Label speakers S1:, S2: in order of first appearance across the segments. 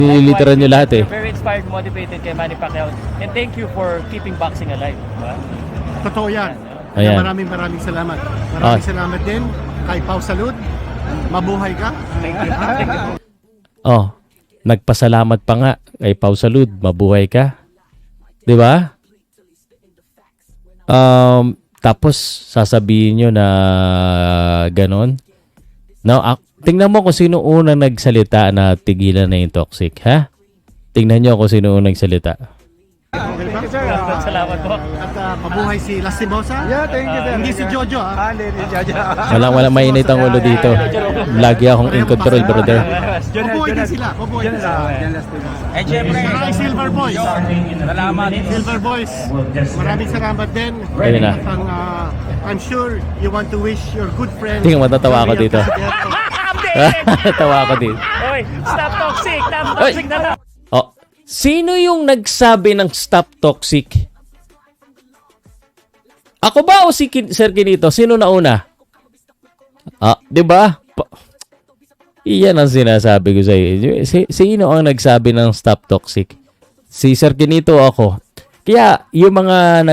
S1: Literal nyo lahat eh.
S2: You're very inspired, motivated kay Manny Pacquiao. And thank you for keeping boxing alive. Diba?
S3: Totoo yan.
S1: Ayan.
S3: Kaya maraming salamat. Maraming salamat din kay Pau Salud. Mabuhay ka.
S2: Thank you. Thank you.
S1: Oh, nagpasalamat pa nga kay Pau Salud. Mabuhay ka. 'Di ba? Tapos sasabihin nyo na ganon. Now, tingnan mo kung sino unang nagsalita na tigilan na yung toxic, ha? Tingnan nyo kung sino unang nagsalita.
S3: Okay ba?
S2: Salamat po.
S3: At mabuhay si Lastimosa.
S4: Yeah, thank you, sir.
S3: Hindi si Jojo, ha?
S4: Hindi, Jojo.
S1: Walang mainit ang ulo dito. Lagi akong in control, brother.
S3: Mabuhay din sila. Mabuhay din sila.
S4: And syempre,
S3: Maraming Silver Boys.
S4: salamat.
S3: Silver Boys. Maraming salamat din.
S1: Ayun na.
S3: At ang, I'm sure you want to wish your good friend.
S1: Tingnan, matatawa ako dito. Tawa ako dito.
S2: Oy, stop toxic. Stop toxic na lang.
S1: Oh, sino yung nagsabi ng stop toxic? Ako ba o si Sir Kinito? Sino nauna? 'Di ba? Iyan ang sinasabi ko sa iyo. Sino ang nagsabi ng stop toxic? Si Sir Kinito o ako? Kaya yung mga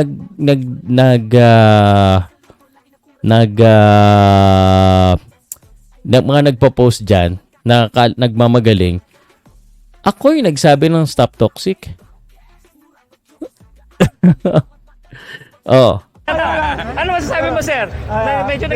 S1: mga nagpo-post diyan na nagmamagaling, ako yung nagsabi ng stop toxic. Oh.
S2: Ano masasabi mo, sir? Medyo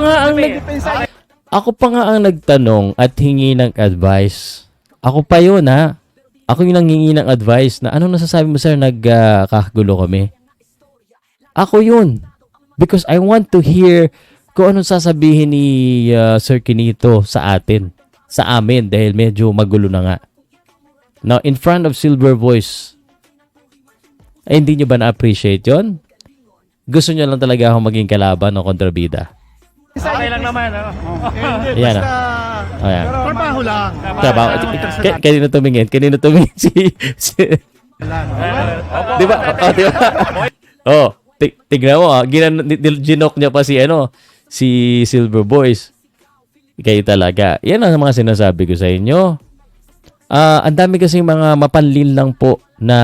S1: Ako pa nga ang nagtanong at hingi ng advice. Ako pa yun, ha? Ako yung nanghingi ng advice na ano nasasabi mo, sir, nagkagulo kami. Ako yun. Because I want to hear kung anong sasabihin ni Sir Kinito sa atin. Sa amin dahil medyo magulo na nga. Now, in front of Silver Voice, ay hindi nyo ba na-appreciate yun? Gusto nyo lang talaga ako maging kalaban o kontrabida?
S2: Okay lang naman.
S3: Hindi,
S1: Ayan
S3: basta
S1: Ayan.
S3: trabaho lang.
S1: Trabaho. Kanino tumingin? Kanino tumingin si Di ba? Di ba? Oh, tignan mo, ginok niya pa si Silver Boys. Kayo talaga. Yan ang mga sinasabi ko sa inyo. Ang dami kasing mga mapanlil lang po na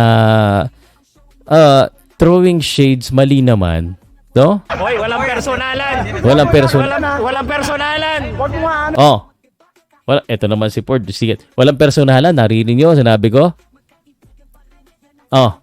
S1: throwing shades, mali naman. No?
S2: Hoy, walang personalan.
S1: Walang personalan.
S2: Walang personalan.
S1: Oh. Ito naman si Ford. Sige. Walang personalan. Narinig nyo, sinabi ko. Oh.